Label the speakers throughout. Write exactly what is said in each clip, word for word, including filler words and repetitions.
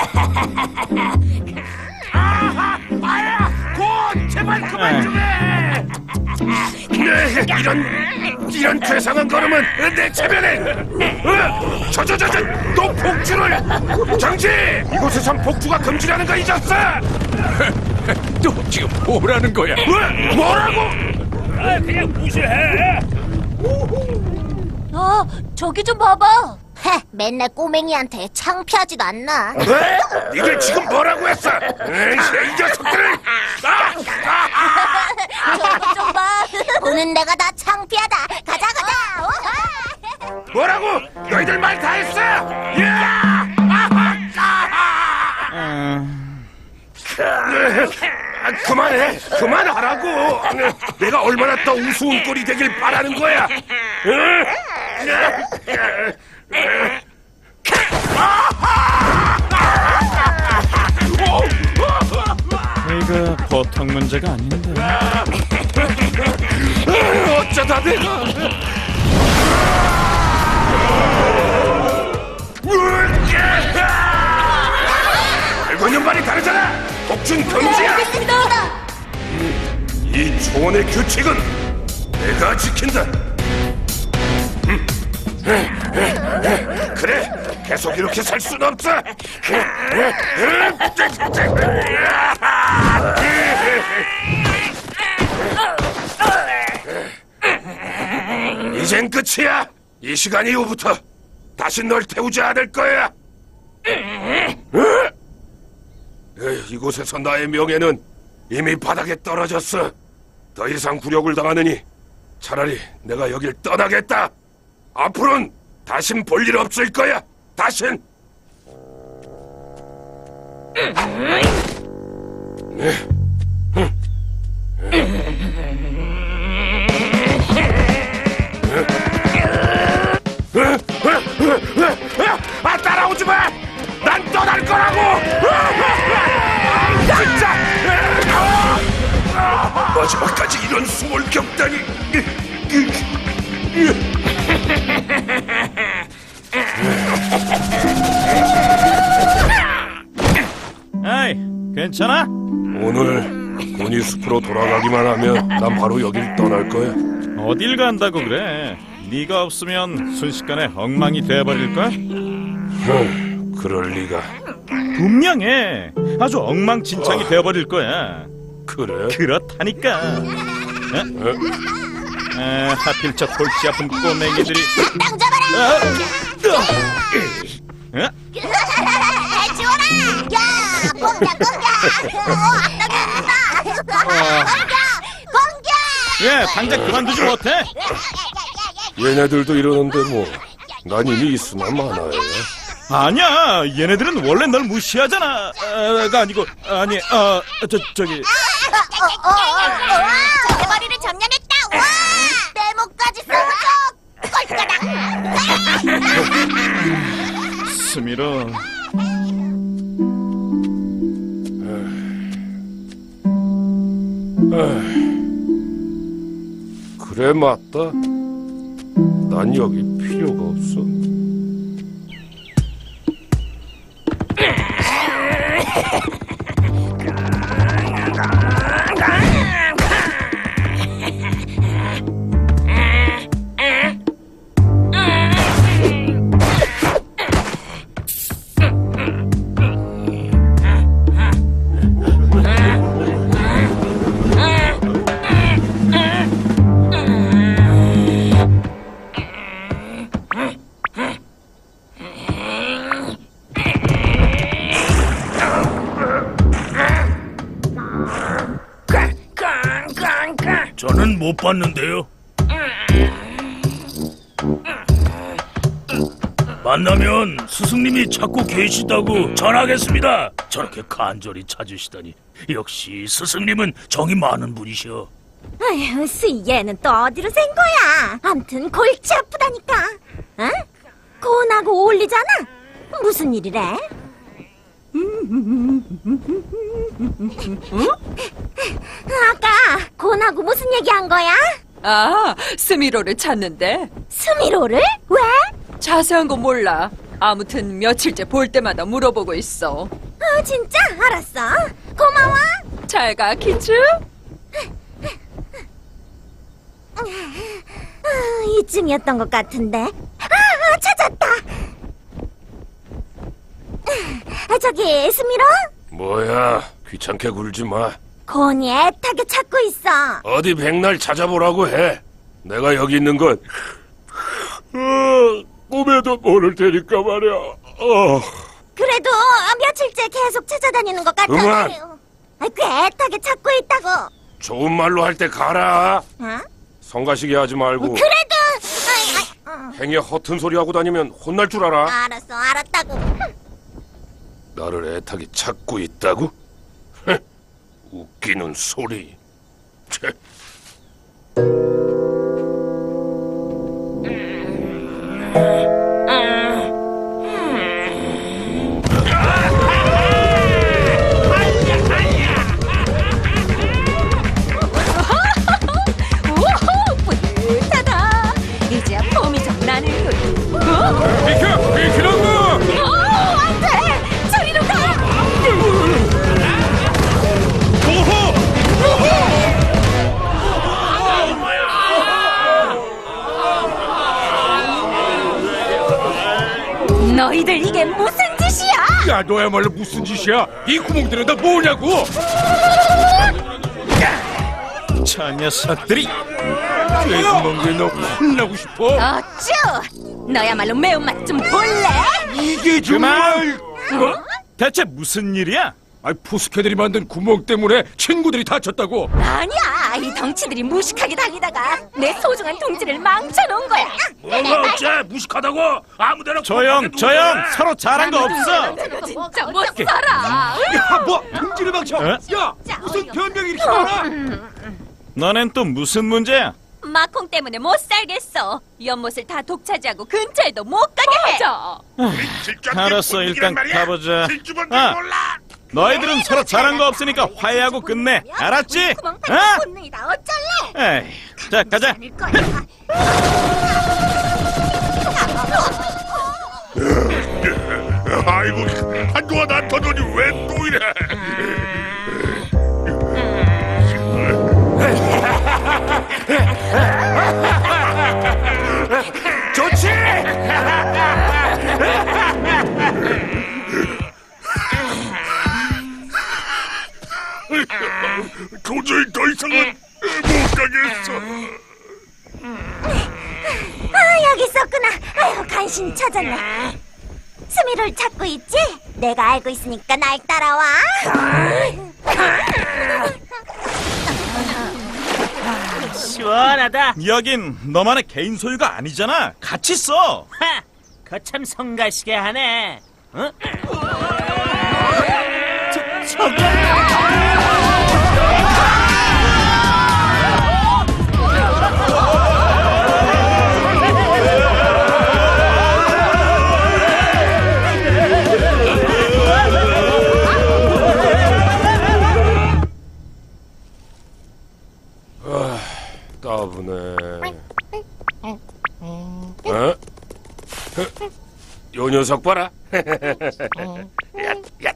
Speaker 1: 아하, 아야, 곧 제발 그만 좀 해. 네, 이런 이런 괴상한 걸음은 내 체면에. 어, 저저저저, 또 복주를. 정지! 이곳에선 복주가 금지라는 거 잊었어?
Speaker 2: 또 지금 뭐라는 거야?
Speaker 1: 뭐, 뭐라고?
Speaker 3: 아, 그냥 무시해.
Speaker 4: 아, 저기 좀 봐봐.
Speaker 5: 헤, 맨날 꼬맹이한테 창피하지도 않나?
Speaker 1: 왜? 니들 지금 뭐라고 했어? 에이, 이 녀석들을! 아! 아!
Speaker 4: 저기 좀 봐.
Speaker 5: 보는 내가 다 창피하다. 가자, 가자. 우와!
Speaker 1: 뭐라고? 너희들 말 다 했어! 야! 아하! 아하! 아, 그만해! 그만하라고! 내가 얼마나 더 우스운 꼴이 되길 바라는 거야!
Speaker 6: 이거 보통 문제가 아닌데.
Speaker 1: 어쩌다 내가... 알고 있는 말이 다르잖아! 복준 금지야!
Speaker 4: 알겠습니다.
Speaker 1: 이 초원의 규칙은 내가 지킨다. 그래, 계속 이렇게 살 순 없어. 이젠 끝이야. 이 시간 이후부터 다시 널 태우지 않을 거야. 에이, 이곳에서 나의 명예는 이미 바닥에 떨어졌어. 더 이상 굴욕을 당하느니 차라리 내가 여길 떠나겠다. 앞으로는 다신 볼 일 없을 거야. 다신. 아, 따라오지 마. 난 떠날 거라고. 진짜. 마지막까지 이런 수모를 겪다니.
Speaker 6: 아이, 괜찮아?
Speaker 1: 오늘 군이 숲으로 돌아가기만 하면 난 바로 여길 떠날 거야.
Speaker 6: 어딜 간다고 그래? 네가 없으면 순식간에 엉망이 돼버릴 거야.
Speaker 1: 흠, 그럴 리가.
Speaker 6: 분명해. 아주 엉망진창이 돼버릴 거야.
Speaker 1: 그래?
Speaker 6: 그렇다니까. 어? 에, 하필 저 골치 아픈 꼬맹이들이.
Speaker 5: 땅 잡아라.
Speaker 6: 어? 어?
Speaker 5: 지원아. 야, 공격, 공격. 어, 앞당긴다. 공격, 공격.
Speaker 6: 예, 당장 그만두지 못해?
Speaker 1: 얘네들도 이러는데 뭐. 난 이미 있으나 마나요.
Speaker 6: 아니야, 얘네들은 원래 널 무시하잖아. 아, 가 아니고 아니, 어, 저 저기.
Speaker 5: 어, 어, 어, 어. 제 머리를 점령했다. 와, 내 목까지 쏘줘. 꼴까닥.
Speaker 6: 스미로.
Speaker 1: 그래, 맞다. 난 여기 필요가 없어.
Speaker 3: 저는 못 봤는데요. 만나면 스승님이 찾고 계시다고 전하겠습니다. 저렇게 간절히 찾으시다니 역시 스승님은 정이 많은 분이셔.
Speaker 4: 아휴, 스 얘는 또 어디로 샌 거야? 암튼 골치 아프다니까. 응? 고은하고 어울리잖아. 무슨 일이래? 아까 고은하고 무슨 얘기한 거야?
Speaker 7: 아, 스미로를 찾는데
Speaker 4: 스미로를? 왜?
Speaker 7: 자세한 거 몰라. 아무튼 며칠째 볼 때마다 물어보고 있어.
Speaker 4: 아, 진짜? 알았어. 고마워.
Speaker 7: 잘 가, 키즈.
Speaker 4: 아, 이쯤이었던 것 같은데. 아, 아, 찾았다. 아, 저기, 스미로?
Speaker 1: 뭐야, 귀찮게 굴지 마.
Speaker 4: 곤이 애타게 찾고 있어.
Speaker 1: 어디 백날 찾아보라고 해. 내가 여기 있는 건 어, 꿈에도 모를 테니까 말이야. 어.
Speaker 4: 그래도 며칠째 계속 찾아다니는 것 같아.
Speaker 1: 그만.
Speaker 4: 아, 꽤 애타게 찾고 있다고.
Speaker 1: 좋은 말로 할 때 가라.
Speaker 4: 어?
Speaker 1: 성가시게 하지 말고.
Speaker 4: 그래도 아이, 아이, 어.
Speaker 1: 행여 허튼 소리 하고 다니면 혼날 줄 알아.
Speaker 4: 알았어, 알았다고.
Speaker 1: 나를 애타게 찾고 있다고? 흥, 웃기는 소리. 切.
Speaker 7: 우후, 뿌듯하다. 이제야 폼이 좀 나는군. 어?
Speaker 2: 비켜! 비키라고!
Speaker 7: 어, 안 돼! 저리로 가! 너희들 이게 무슨 짓이야?
Speaker 2: 야, 너야말로 무슨 짓이야? 이 구멍들은 다 뭐냐고?
Speaker 6: 저 녀석들이
Speaker 2: 쇠구멍에 너 혼나고 싶어?
Speaker 7: 어쭈! 너야말로 매운맛 좀 볼래?
Speaker 2: 이게 정말...
Speaker 6: 어? 대체 무슨 일이야?
Speaker 2: 아, 포스케들이 만든 구멍 때문에 친구들이 다쳤다고.
Speaker 7: 아니야, 이 덩치들이 무식하게 달리다가 내 소중한 둥지를 망쳐놓은 거야.
Speaker 3: 뭐가 어째 무식하다고 아무데나
Speaker 6: 조용, 조용. 서로 잘한 거 없어.
Speaker 7: 진짜 못 살아.
Speaker 2: 야, 뭐 등지를 망쳐?
Speaker 6: 어?
Speaker 2: 야, 무슨 변명이 이렇게 많아?
Speaker 6: 너넨 또 무슨 문제야?
Speaker 7: 마콩 때문에 못 살겠어. 연못을 다 독차지하고 근처에도 못 가게 해.
Speaker 6: 알았어, 일단 가보자. 아, 너희들은 서로 잘한 거 없으니까 화해하고 끝내. 알았지?
Speaker 4: 구멍
Speaker 6: 어?
Speaker 4: 판 본능이다. 어쩔래?
Speaker 6: 에이, 자, 가자.
Speaker 4: 아닐 거야.
Speaker 1: 아이고, 한동안 안 터더니 왜 또 이래? 좋지! 도저히 더 이상은 못 가겠어.
Speaker 4: 아, 여기 있었구나. 아유, 간신히 찾았네. 스미를 찾고 있지? 내가 알고 있으니까 날 따라와.
Speaker 8: 시원하다.
Speaker 6: 여긴 너만의 개인 소유가 아니잖아. 같이 써.
Speaker 8: 하! 거참 성가시게 하네. 어? 저, 저게...
Speaker 1: 따분해. 어? 요 녀석 봐라. 야, 야.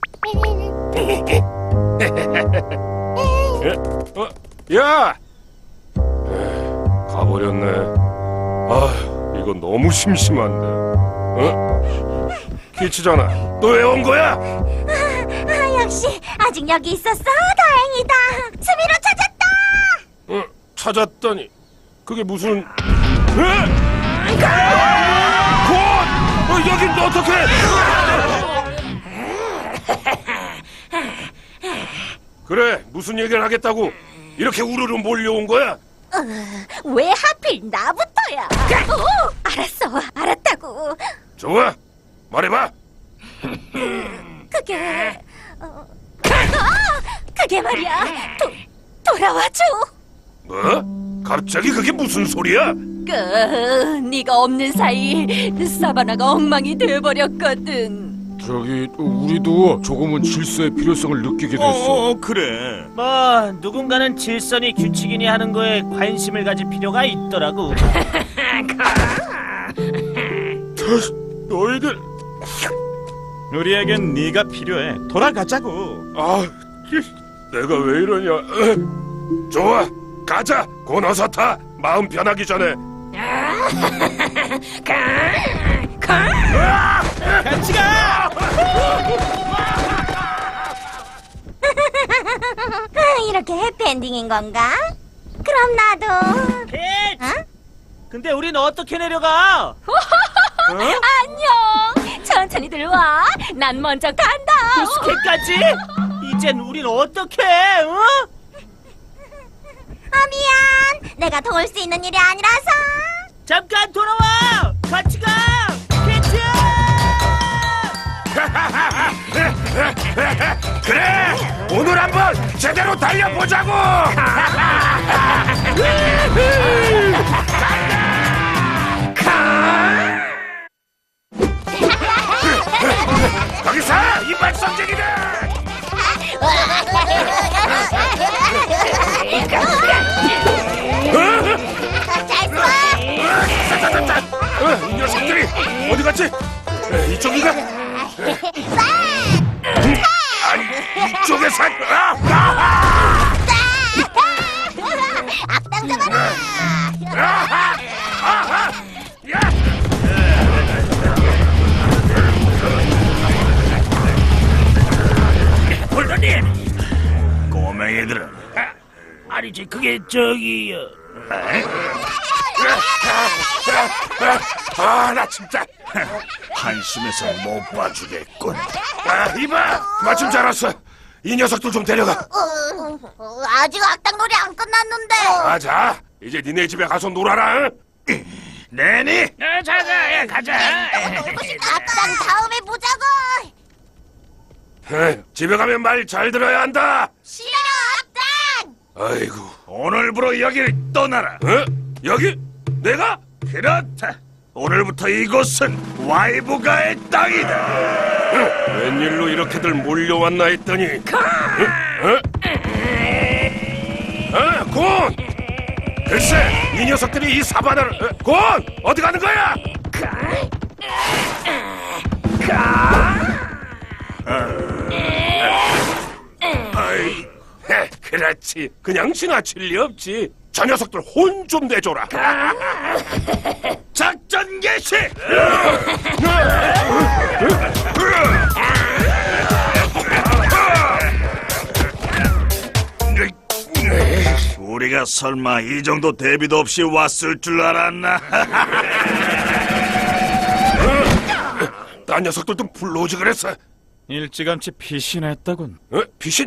Speaker 1: 어, 야! 에이, 가버렸네. 아, 이거 너무 심심한데. 어? 키치잖아. 너 왜 온 거야?
Speaker 4: 아, 역시 아직 여기 있었어. 다행이다. 스미로 찾았다.
Speaker 1: 어, 찾았더니 그게 무슨? 에? 곧! 어, 여긴 어떻게? 그래, 무슨 얘기를 하겠다고 이렇게 우르르 몰려온 거야?
Speaker 4: 왜 하필 나부터야? 어, 알았어, 알았다고.
Speaker 1: 좋아, 말해봐.
Speaker 4: 그게 어, 아, 그게 말이야. 도, 돌아와줘.
Speaker 1: 뭐? 갑자기 그게 무슨 소리야?
Speaker 7: 그, 네가 없는 사이 사바나가 엉망이 돼버렸거든.
Speaker 2: 저기 우리도 조금은 질서의 필요성을 느끼게 됐어.
Speaker 6: 어, 그래.
Speaker 8: 뭐 누군가는 질서니 규칙이니 하는 거에 관심을 가질 필요가 있더라고.
Speaker 2: 너희들
Speaker 6: 우리에겐 네가 필요해. 돌아가자고.
Speaker 2: 아 내가 왜 이러냐. 좋아 가자. 곤 어서 타. 마음 변하기 전에.
Speaker 6: 같이 가.
Speaker 4: 이렇게 해피엔딩인 건가? 그럼 나도.
Speaker 8: 캣!
Speaker 4: 어?
Speaker 8: 근데 우린 어떻게 내려가?
Speaker 7: 안녕. 천천히 들어와. 난 먼저 간다.
Speaker 8: 부스켓까지? 이젠 우린 어떻게 해? 어?
Speaker 4: 아, 미안. 내가 도울 수 있는 일이 아니라서.
Speaker 8: 잠깐 돌아와! 같이 가! 캣츠!
Speaker 1: 그래 오늘 한번 제대로 달려보자고. 거기서 이빨 썸쟁이들.
Speaker 5: 잘 쏴!
Speaker 1: 어, 이 녀석들이 어디 갔지? 에, 이쪽인가? 아니 이쪽에서 아, 아,
Speaker 5: 악당 잡아라!
Speaker 1: 아하! 아하! 야!
Speaker 3: 홀더님, 꼬맹이들은 아니지 그게 저기
Speaker 1: 아, 나 진짜.
Speaker 3: 한심해서 못 봐주겠군.
Speaker 1: 아, 이봐. 마침 잘 왔어. 이 녀석들 좀 데려가.
Speaker 5: 어, 어, 아직 악당 놀이 안 끝났는데.
Speaker 1: 가자. 이제 니네 집에 가서 놀아라. 응?
Speaker 3: 내니? 자자, 가자.
Speaker 5: 악당 다음에 보자고.
Speaker 1: 에이, 집에 가면 말 잘 들어야 한다.
Speaker 5: 싫어, 악당.
Speaker 1: 아이고.
Speaker 3: 오늘부로 여기를 떠나라.
Speaker 1: 어? 여기? 내가?
Speaker 3: 그렇다. 오늘부터 이곳은 와이브가의 땅이다.
Speaker 1: 응, 웬일로 이렇게들 몰려왔나 했더니. 응? 어? 어, 곤! 글쎄, 이 녀석들이 이 사바나를. 어, 곤! 어디 가는 거야? 아이, 헤, 그렇지. 그냥 지나칠 리 없지. 저 녀석들 혼 좀 내줘라.
Speaker 3: 작전 개시! 우리가 설마 이 정도 대비도 없이 왔을 줄 알았나?
Speaker 1: 딴 녀석들도 불러오지 그랬어.
Speaker 6: 일찌감치 피신했다군.
Speaker 1: 어? 귀신?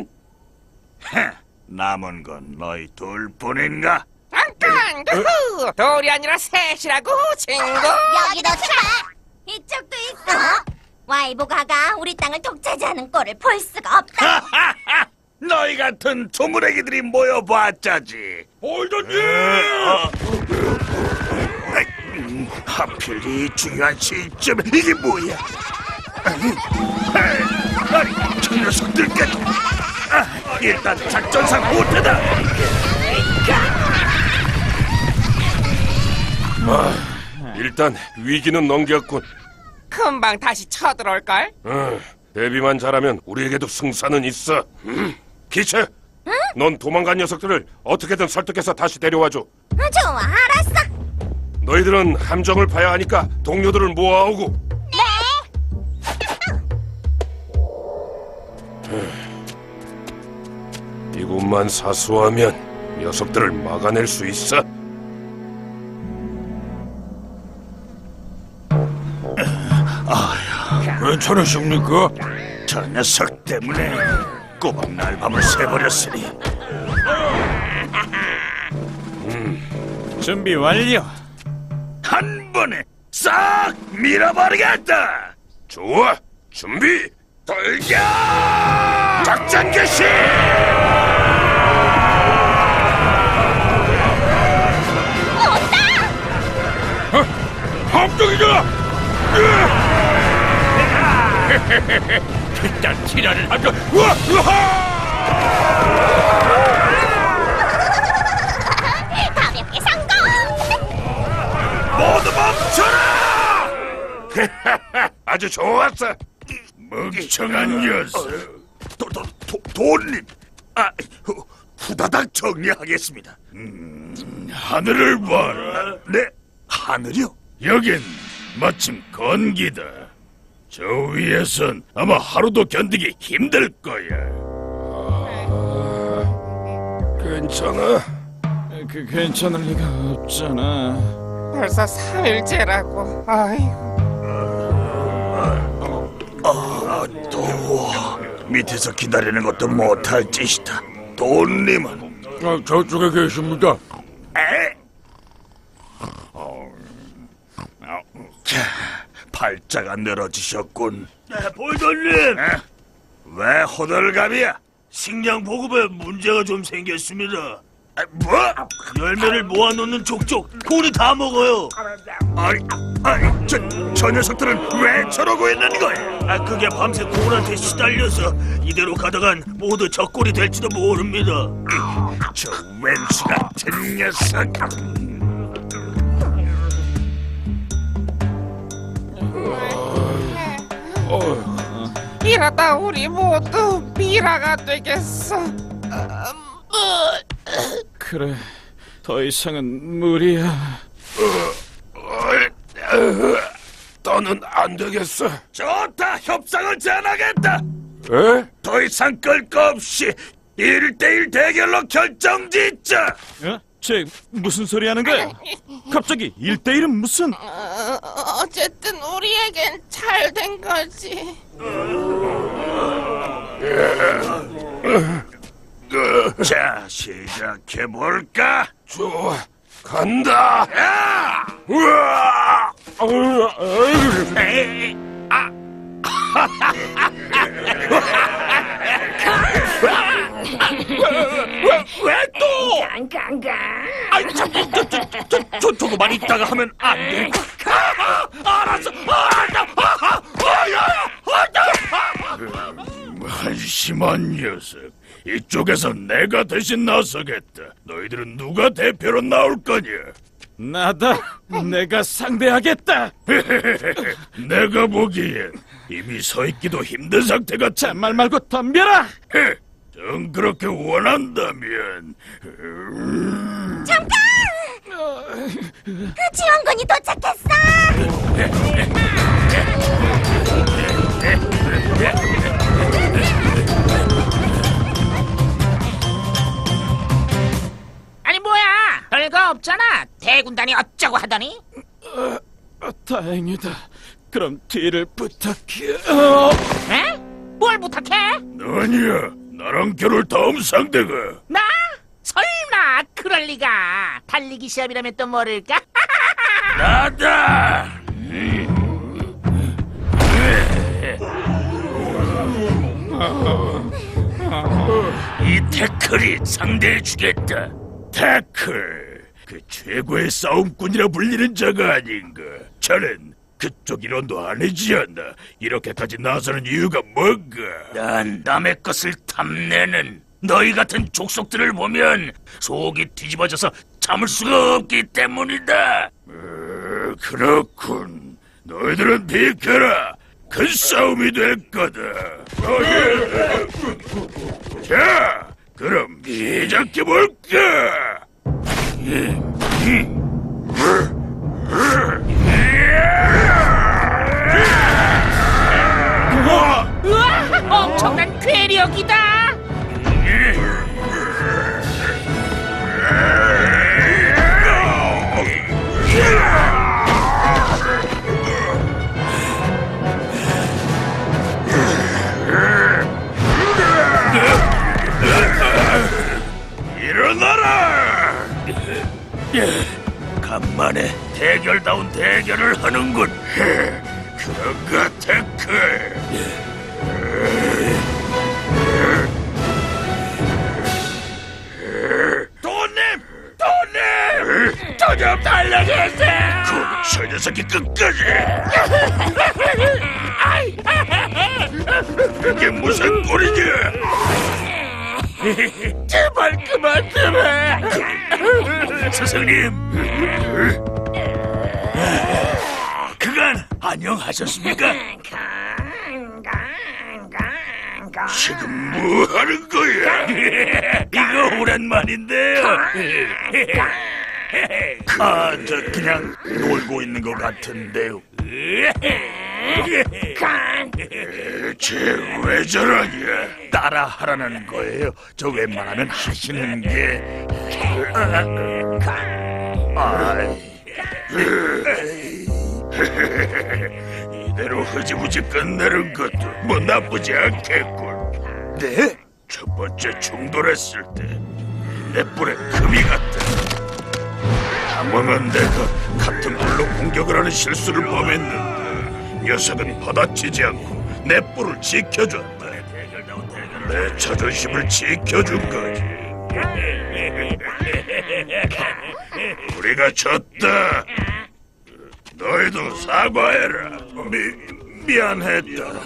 Speaker 3: 남은 건 너희 둘뿐인가?
Speaker 9: 잠깐! 그 둘이 아니라 셋이라고 친구.
Speaker 5: 여기도 차.
Speaker 4: 이쪽도 있어. 와이보가가 우리 땅을 독차지하는 꼴을 볼 수가 없다.
Speaker 3: 너희 같은 조물애기들이 모여봤자지.
Speaker 1: 홀더님!
Speaker 3: 하필 이 중요한 시점에 이게 뭐야? 아니, 저 녀석들까지. 아, 일단 작전상 못하다.
Speaker 1: 아, 일단 위기는 넘겼군.
Speaker 9: 금방 다시 쳐들어올걸?
Speaker 1: 어, 대비만 잘하면 우리에게도 승산은 있어. 음. 기체, 넌 도망간 녀석들을 어떻게든 설득해서 다시 데려와줘.
Speaker 4: 좋아, 알았어.
Speaker 1: 너희들은 함정을 파야 하니까 동료들을 모아오고. 네. 이곳만 사수하면 녀석들을 막아낼 수 있어.
Speaker 2: 괜찮으십니까?
Speaker 3: 저 녀석 때문에 꼬박 날밤을 새버렸으니.
Speaker 6: 준비 완료.
Speaker 3: 한 번에 싹 밀어버리겠다.
Speaker 1: 좋아, 준비, 돌격! 작전 개시!
Speaker 2: 함정이다!
Speaker 3: 일단 티라를 하자.
Speaker 2: 우와! 우와!
Speaker 5: 가볍게 성공.
Speaker 3: 모두 멈춰라!
Speaker 2: 아주 좋았어. 멍청한 녀석.
Speaker 3: 도, 도, 도, 돈님. 아, 후, 후다닥 정리하겠습니다.
Speaker 2: 하늘을 봐라.
Speaker 3: 네, 하늘이요?
Speaker 2: 여긴 마침 건기다. 저 위에선 아마 하루도 견디기 힘들 거야. 괜찮아?
Speaker 6: 그 괜찮을 리가 없잖아.
Speaker 9: 벌써 삼 일째라고. 아이고.
Speaker 3: 아, 더워. 밑에서 기다리는 것도 못할 짓이다. 돈님은?
Speaker 2: 아, 저쪽에 계십니다.
Speaker 3: 에? 자, 팔자가 늘어지셨군. 네, 볼돈님! 왜 호들갑이야? 식량 보급에 문제가 좀 생겼습니다. 아, 뭐? 열매를 모아놓는 족족 곤이 다 먹어요. 아니, 아니, 저, 저 녀석들은 왜 저러고 있는 거야? 아, 그게 밤새 곤한테 시달려서 이대로 가다간 모두 적골이 될지도 모릅니다. 저 왼수 같은 녀석.
Speaker 9: 이러다 우리 모두 미라가 되겠어.
Speaker 6: 그래, 더 이상은 무리야.
Speaker 2: 너는 안 되겠어.
Speaker 3: 좋다, 협상을 제안하겠다.
Speaker 2: 에?
Speaker 3: 더 이상 끌 거 없이 일대일 대결로 결정짓자.
Speaker 6: 어? 쟤 무슨 소리 하는 거야? 갑자기 일대일은 무슨?
Speaker 9: 어, 어쨌든 우리에겐 잘 된 거지.
Speaker 3: 자, 시작해볼까?
Speaker 2: 좋아, 간다.
Speaker 3: 야!
Speaker 2: 우와!
Speaker 3: 에이, 아! 왜 또? 아이, 참, 저, 저, 저, 저, 저거만 있다가 하면 안 돼. 아, 알았어. 알았어. 아, 아, 야, 아,
Speaker 2: 한심한 녀석. 이쪽에서 내가 대신 나서겠다. 너희들은 누가 대표로 나올 거냐?
Speaker 6: 나다. 내가 상대하겠다.
Speaker 2: 내가 보기엔 이미 서 있기도 힘든 상태 같아.
Speaker 6: 잔말 말고 덤벼라.
Speaker 2: 정 그렇게 원한다면 음,
Speaker 4: 잠깐! 그 지원군이 도착했어!
Speaker 9: 아니 뭐야? 별거 없잖아. 대군단이 어쩌고 하더니?
Speaker 6: 아, 다행이다. 그럼 뒤를 부탁해. 어?
Speaker 9: 에? 뭘 부탁해?
Speaker 2: 아니야. 나랑 결혼 다음 상대가
Speaker 9: 나? 설마 그럴 리가. 달리기 시합이라면 또 모를까?
Speaker 2: 나다. 이 태클이 상대해주겠다. 태클, 그 최고의 싸움꾼이라 불리는 자가 아닌가. 저는 그쪽 일원도 아니지 않나. 이렇게까지 나서는 이유가 뭔가. 난 남의 것을 탐내는 너희 같은 족속들을 보면 속이 뒤집어져서 참을 수가 없기 때문이다. 어, 그렇군. 너희들은 비켜라. 큰 싸움이 될 거다. 어, 예. 자, 그럼 시작해볼까?
Speaker 9: 우와! 엄청난 괴력이다!
Speaker 2: 일어나라! 간만에 대결다운 대결을 하는군. 그런가, 태클? 돈님! 돈님! 저 좀 달려주세요! 저 녀석이 끝까지! 그게 무슨 꼴이냐? 제발 그만 좀 해! 스승님! 그가
Speaker 3: 간 안녕하셨습니까? 지금 뭐 하는 거야? 이거 오랜만인데요. 아, 저 그냥 놀고 있는 것 같은데요. 쟤왜 저러냐? 따라 하라는 거예요. 저 웬만하면 하시는 게. 아이. 이대로 흐지부지 끝내는 것도 뭐 나쁘지 않겠군. 네? 첫 번째 충돌했을 때 내 뿔에 금이 갔다. 당황한 내가 같은 뿔로 공격을 하는 실수를 범했는데 녀석은 받아치지 않고 내 뿔을 지켜줬다. 내 자존심을 지켜준 거지. 우리가 졌다. 너희도 사과해라. 미, 미안했다.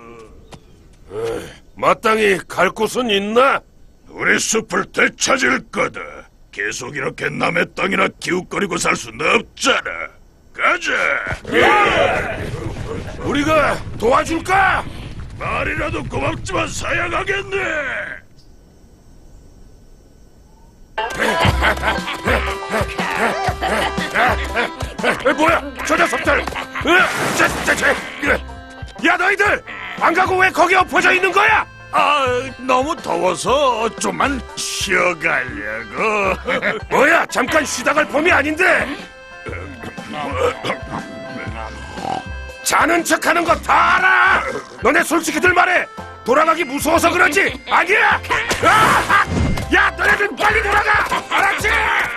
Speaker 2: 마땅히 갈 곳은 있나?
Speaker 3: 우리 숲을 되찾을 거다. 계속 이렇게 남의 땅이나 기웃거리고 살 수는 없잖아. 가자.
Speaker 2: 우리가 도와줄까?
Speaker 3: 말이라도 고맙지만 사양하겠네.
Speaker 2: 에, 뭐야, 저 녀석들! 으, 저, 저, 저, 으. 야, 너희들! 안 가고 왜 거기 엎어져 있는 거야?
Speaker 3: 아, 너무 더워서 좀만 쉬어가려고.
Speaker 2: 뭐야, 잠깐 쉬다 갈 봄이 아닌데! 자는 척하는 거 다 알아! 너네 솔직히들 말해! 돌아가기 무서워서 그러지! 아니야! 아! 야, 너네들 빨리 돌아가! 알았지?